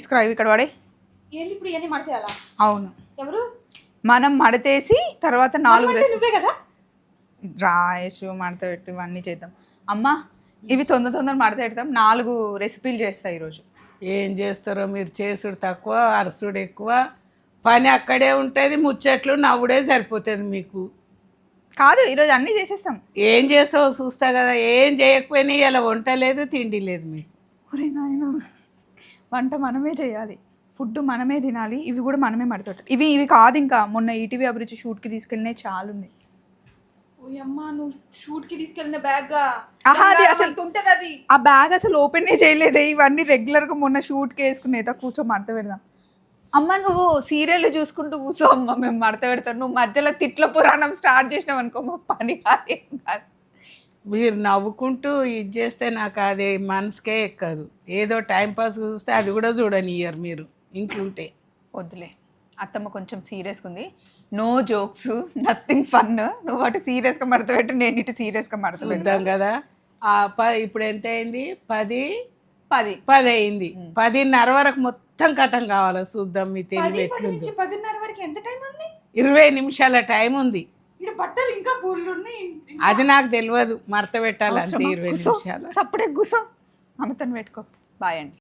తీసుకురావి ఇక్కడ వాడే. ఏంది ఇప్పుడు ఇవన్నీ మడతేయాలా? అవును, ఎవరు? మనం మడతేసి తర్వాత 4 నువ్వే కదా రాయేషు మడత పెట్టి ఇవన్నీ చేద్దాం. అమ్మా ఇవి తొందర మడత పెడతాం. 4 రెసిపీలు చేస్తాయి ఈరోజు. ఏం చేస్తారో మీరు, చేసుడు తక్కువ అరసుడు ఎక్కువ, పని అక్కడే ఉంటుంది, ముచ్చట్లు నవ్వుడే సరిపోతుంది మీకు. కాదు ఈరోజు అన్నీ చేసేస్తాం. ఏం చేస్తావో చూస్తా కదా. ఏం చేయకపోయినా ఇలా వంట లేదు తిండి లేదు మీకు. ఒరే నాయన, వంట మనమే చేయాలి, ఫుడ్ మనమే తినాలి, ఇవి కూడా మనమే మడతపెట్టాలి. ఇవి కాదు, ఇంకా మొన్న ఈటీవీ అభిరుచి షూట్కి తీసుకెళ్ళినాయి చాలా ఉన్నాయి. ఓయమ్మా, నువ్వు షూట్ కి తీసుకెళ్ళిన బ్యాగ్ అది అసలు ఉంటది, అది ఆ బ్యాగ్ అసలు ఓపెనే చేయలేదే. ఇవన్నీ రెగ్యులర్గా మొన్న షూట్కి వేసుకునేత. కూర్చో మడత పెడదాం. అమ్మ నువ్వు సీరియల్ చూసుకుంటూ కూర్చో అమ్మ, మేము మడత పెడతాం. నువ్వు మధ్యలో తిట్ల పురాణం స్టార్ట్ చేసినావు అనుకో, మా పని కాదు. మీరు నవ్వుకుంటూ ఇది చేస్తే నాకు అది మనసుకే ఎక్కదు. ఏదో టైంపాస్ చూస్తే అది కూడా చూడనియ్యరు మీరు ఇంట్లుంటే. వద్దులే, అత్తమ్మ కొంచెం సీరియస్గా ఉంది. No jokes, nothing fun. నువ్వు అటు సీరియస్గా మడత పెట్టు, నేను ఇటు సీరియస్గా మడత పెడతాం కదా. ఇప్పుడు ఎంత అయింది? 10 అయింది. 10:30 వరకు మొత్తం కథం కావాలి. చూద్దాం మీ తెలివి ఎట్లుంది. 10:30 వరకు ఎంత టైం ఉంది? 20 నిమిషాల టైం ఉంది. ఇక్కడ బట్టలు ఇంకా పూలు ఉన్నాయి. అది నాకు తెలియదు, మడత పెట్టాలంటే 20 నిమిషాలు. సప్పుడే కూర్చో, అమ్మతను పెట్టుకో. బాయ్ అండి.